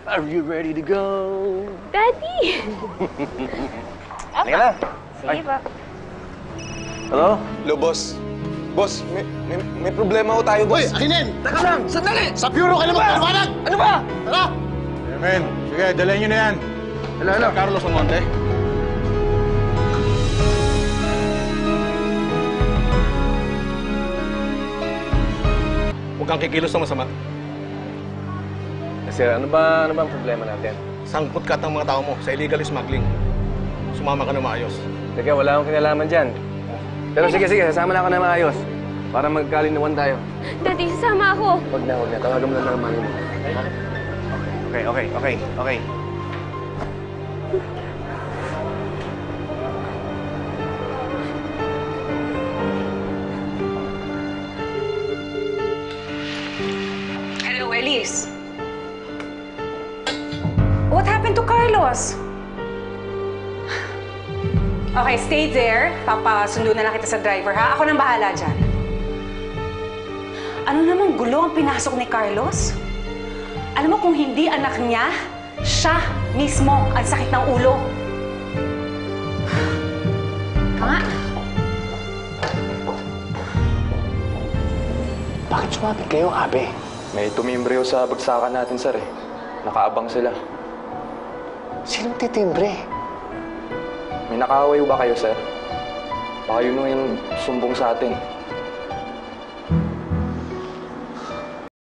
Are you ready to go? Daddy! Halika na. Sige pa. Hello? Hello, boss. Boss, may problema ho tayo, boss. Hoy, akinin! Teka lang! Sandali! Sa bureau ka naman, paliwanag! Ano ba? Tara! Men, sige, dalhin nyo na yan. Hello? Carlos Amonte. Huwag kang kikilos ng masama. Sir, ano ba ang problema natin? Sangkot ka ng mga tao mo sa illegal smuggling. Sumama ka na maayos. Teka, wala akong kinalaman dyan. Pero sige, sasama na ako na maayos. Para magkalinawan tayo. Daddy, sasama ako. Huwag na. Tawagan mo na lang ang mami mo. Okay. Hello, Elise. What happened to Carlos? Okay, stay there. Papasundo na lang kita sa driver, ha? Ako nang bahala dyan. Ano namang gulo ang pinasok ni Carlos? Alam mo kung hindi anak niya, siya mismo ang sakit ng ulo. Kama? Bakit sumapit kayo, Abe? May tumimbre sa bagsakan natin, sir, eh. Nakaabang sila. Sinong titimbre? May nakaaway ba kayo, sir? Baka yun yung sumbong sa atin.